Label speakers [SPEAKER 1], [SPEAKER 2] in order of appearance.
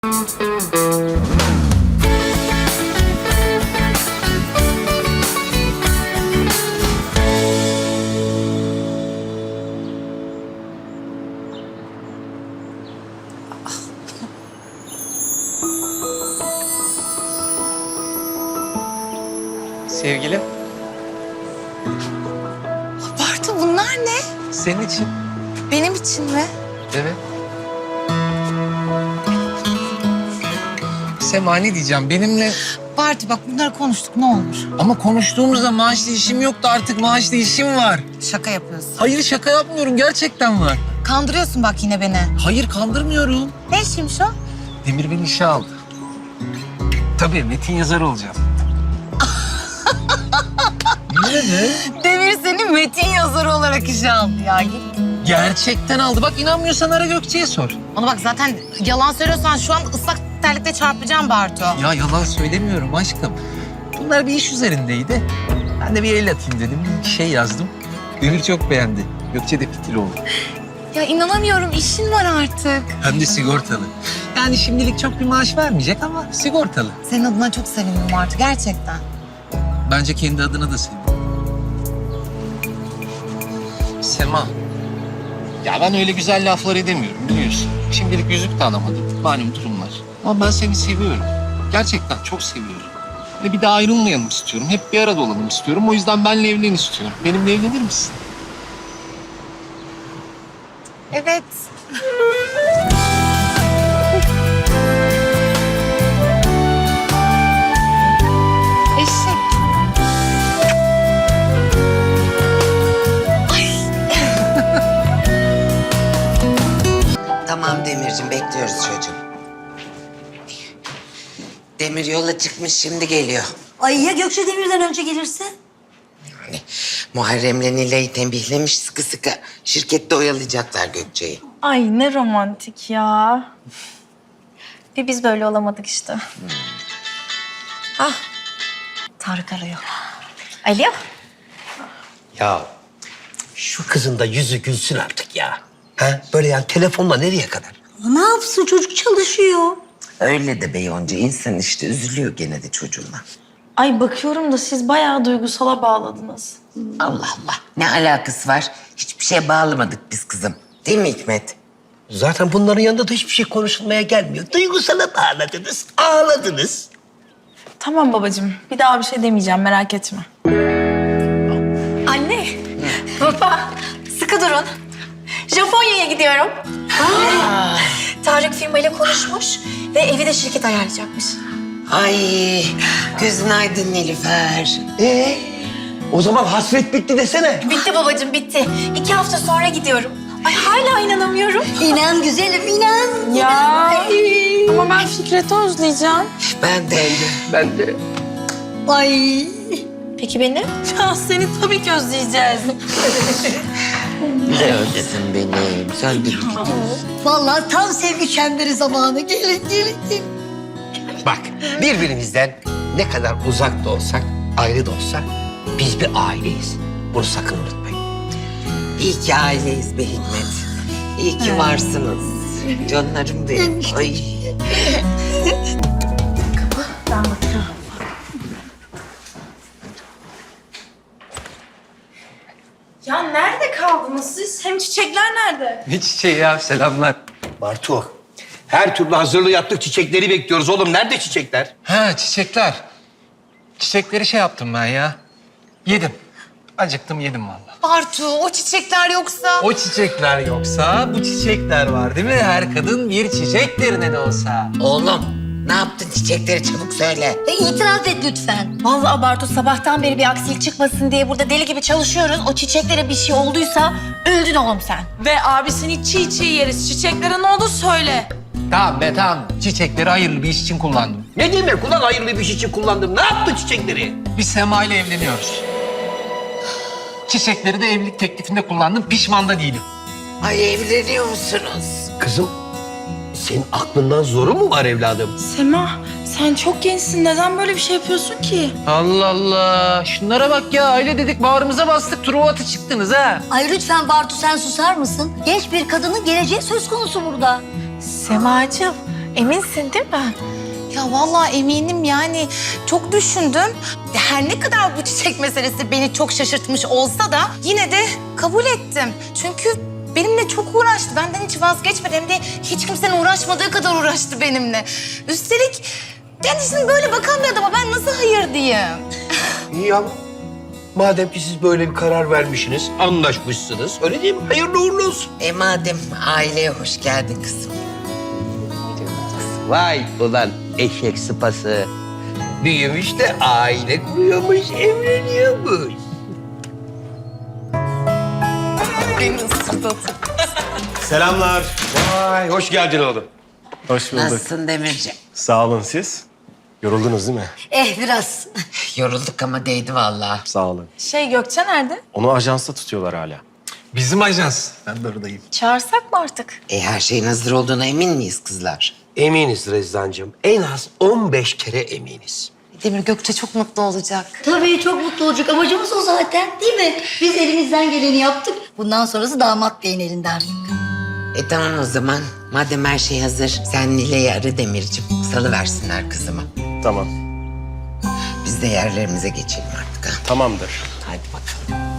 [SPEAKER 1] Sevgilim,
[SPEAKER 2] Bartu bunlar ne?
[SPEAKER 1] senin için.
[SPEAKER 2] Benim için mi?
[SPEAKER 1] Evet. Sema ne diyeceğim benimle...
[SPEAKER 2] Bartu bak bunları konuştuk ne olur.
[SPEAKER 1] Ama konuştuğumuzda maaşlı işim yoktu, artık maaşlı işim var.
[SPEAKER 2] Şaka yapıyorsun.
[SPEAKER 1] Hayır, şaka yapmıyorum, gerçekten var.
[SPEAKER 2] Kandırıyorsun bak yine beni.
[SPEAKER 1] Hayır, kandırmıyorum.
[SPEAKER 2] Ne işiymiş o?
[SPEAKER 1] Demir beni işe aldı. Tabii metin yazarı olacağım. Ne be?
[SPEAKER 2] Demir seni metin yazarı olarak işe aldı ya. Git.
[SPEAKER 1] Gerçekten aldı. Bak inanmıyorsan ara Gökçe'ye sor.
[SPEAKER 2] Ona bak zaten yalan söylüyorsan şu an ıslak terlikle çarpacağım Bartu.
[SPEAKER 1] Ya yalan söylemiyorum aşkım. Bunlar bir iş üzerindeydi. Ben de bir el atayım dedim. Bir şey yazdım. Demir çok beğendi. Gökçe de fitil oldu.
[SPEAKER 2] Ya inanamıyorum işin var artık.
[SPEAKER 1] Hem de sigortalı. Yani şimdilik çok bir maaş vermeyecek ama sigortalı.
[SPEAKER 2] Senin adına çok sevindim Bartu gerçekten.
[SPEAKER 1] Bence kendi adına da sevdim. Sema. Ya ben öyle güzel laflar edemiyorum biliyorsun. Şimdilik yüzük de alamadım. Malum durumlar. Ama ben seni seviyorum. Gerçekten çok seviyorum. Ve bir daha ayrılmayalım istiyorum. Hep bir arada olalım istiyorum. O yüzden benimle evlen istiyorum. Benimle evlenir misin?
[SPEAKER 2] Evet. Eşek.
[SPEAKER 3] Tamam Demirciğim, bekliyoruz çocuğum. Demir yola çıkmış, şimdi geliyor.
[SPEAKER 4] Ay ya Gökçe Demir'den önce gelirse?
[SPEAKER 3] Yani Muharrem'le Nilay'ı tembihlemiş sıkı sıkı. Şirkette oyalayacaklar Gökçe'yi.
[SPEAKER 5] Ay ne romantik ya. Bir biz böyle olamadık işte.
[SPEAKER 4] Tarık arıyor.
[SPEAKER 5] Alo.
[SPEAKER 6] Ya şu kızın da yüzü gülsün artık ya. Ha? Böyle yani telefonla nereye kadar?
[SPEAKER 4] Ne yapsın çocuk çalışıyor.
[SPEAKER 3] Öyle de be Yonca, insan işte üzülüyor gene de çocuğuna.
[SPEAKER 5] Ay bakıyorum da siz bayağı duygusala bağladınız.
[SPEAKER 3] Allah Allah, ne alakası var? Hiçbir şeye bağlamadık biz kızım. Değil mi Hikmet?
[SPEAKER 6] Zaten bunların yanında da hiçbir şey konuşulmaya gelmiyor. Duygusala bağladınız, ağladınız.
[SPEAKER 5] Tamam babacığım. Bir daha bir şey demeyeceğim merak etme.
[SPEAKER 7] Anne, baba sıkı durun. Japonya'ya gidiyorum. Tarık firmayla konuşmuş ve evi de şirket ayarlayacakmış.
[SPEAKER 3] Ay, gözün aydın Nilüfer.
[SPEAKER 6] O zaman hasret bitti desene.
[SPEAKER 7] Bitti babacığım, bitti. 2 hafta sonra gidiyorum. Ay hala inanamıyorum.
[SPEAKER 4] İnan güzelim inan.
[SPEAKER 5] Ya. Ama ben Fikret'i özleyeceğim.
[SPEAKER 3] Ben de.
[SPEAKER 4] Ay.
[SPEAKER 7] Peki beni?
[SPEAKER 5] Ya seni tabii ki özleyeceğiz.
[SPEAKER 3] Neredesin benim? Sen de
[SPEAKER 4] Vallahi tam sevgi çemberi zamanı. Gelin gelin gelin.
[SPEAKER 6] Bak birbirimizden ne kadar uzak da olsak, ayrı da olsak biz bir aileyiz. Bunu sakın unutmayın.
[SPEAKER 3] İyi ki aileyiz be Hikmet. İyi ki varsınız. Canlarım benim. Ay.
[SPEAKER 5] Ya nerede kaldınız siz? Hem çiçekler nerede?
[SPEAKER 1] Ne çiçeği ya, selamlar.
[SPEAKER 6] Bartu, her türlü hazırlığı yaptık, çiçekleri bekliyoruz oğlum. Nerede çiçekler?
[SPEAKER 1] Ha, çiçekler. Çiçekleri şey yaptım ben ya. Yedim. Acıktım, yedim vallahi.
[SPEAKER 2] Bartu o çiçekler yoksa.
[SPEAKER 1] O çiçekler yoksa bu çiçekler var değil mi? Her kadın bir çiçektir ne de olsa.
[SPEAKER 3] Oğlum, ne yaptın çiçekleri çabuk söyle.
[SPEAKER 4] İtiraf et lütfen.
[SPEAKER 7] Vallahi Bartu sabahtan beri bir aksilik çıkmasın diye burada deli gibi çalışıyoruz. O çiçeklere bir şey olduysa öldün oğlum sen.
[SPEAKER 5] Ve abisini çiğ çiğ yeriz. Çiçeklere ne oldu söyle.
[SPEAKER 1] Tamam be tamam. Çiçekleri hayırlı bir iş için kullandım.
[SPEAKER 6] Ne demek ulan hayırlı bir şey için kullandım? Ne yaptın çiçekleri?
[SPEAKER 1] Biz Sema ile evleniyoruz. Çiçekleri de evlilik teklifinde kullandım. Pişman da değilim.
[SPEAKER 3] Ay evleniyor musunuz?
[SPEAKER 6] Kızım, senin aklından zoru mu var evladım?
[SPEAKER 5] Sema sen çok gençsin. Neden böyle bir şey yapıyorsun ki?
[SPEAKER 1] Allah Allah. Şunlara bak ya. Aile dedik bağrımıza bastık. Truva atı çıktınız ha.
[SPEAKER 4] Ay lütfen Bartu sen susar mısın? Genç bir kadının geleceği söz konusu burada.
[SPEAKER 5] Semacığım Eminsin değil mi?
[SPEAKER 2] Ya vallahi eminim yani çok düşündüm. Her ne kadar bu çiçek meselesi beni çok şaşırtmış olsa da yine de kabul ettim. Çünkü benimle çok uğraştı. Benden hiç vazgeçmedi. Hem de hiç kimsenin uğraşmadığı kadar uğraştı benimle. Üstelik kendisine böyle bakan bir adama ben nasıl hayır diyeyim?
[SPEAKER 6] İyi ama madem ki siz böyle bir karar vermişsiniz, anlaşmışsınız. Öyle değil mi? Hayırlı uğurlu olsun.
[SPEAKER 3] Madem aileye hoş geldin kızım.
[SPEAKER 6] Vay ulan eşek sıpası. Büyümüş de aile kuruyormuş, evleniyormuş.
[SPEAKER 8] Selamlar.
[SPEAKER 6] Vay hoş geldin oğlum.
[SPEAKER 8] Hoş bulduk.
[SPEAKER 3] Nasılsın Demirciğim?
[SPEAKER 8] Sağ olun siz. Yoruldunuz değil mi?
[SPEAKER 4] Biraz.
[SPEAKER 3] Yorulduk ama değdi vallahi.
[SPEAKER 8] Sağ olun.
[SPEAKER 5] Gökçe nerede?
[SPEAKER 8] Onu ajansta tutuyorlar hala.
[SPEAKER 1] Bizim ajans. Ben de oradayım.
[SPEAKER 5] Çağırsak mı artık?
[SPEAKER 3] Her şeyin hazır olduğuna emin miyiz kızlar?
[SPEAKER 6] Eminiz Rezdancığım. En az 15 kere eminiz.
[SPEAKER 2] Demir Gökçe çok mutlu olacak.
[SPEAKER 4] Tabii çok mutlu olacak. Amacımız o zaten değil mi? Biz elimizden geleni yaptık. Bundan sonrası damat beyin elinde artık.
[SPEAKER 3] Tamam o zaman. Madem her şey hazır, sen Nilay'ı ara Demirciğim. Salıversinler kızımı.
[SPEAKER 8] Tamam.
[SPEAKER 3] Biz de yerlerimize geçelim artık ha.
[SPEAKER 8] Tamamdır.
[SPEAKER 3] Hadi bakalım.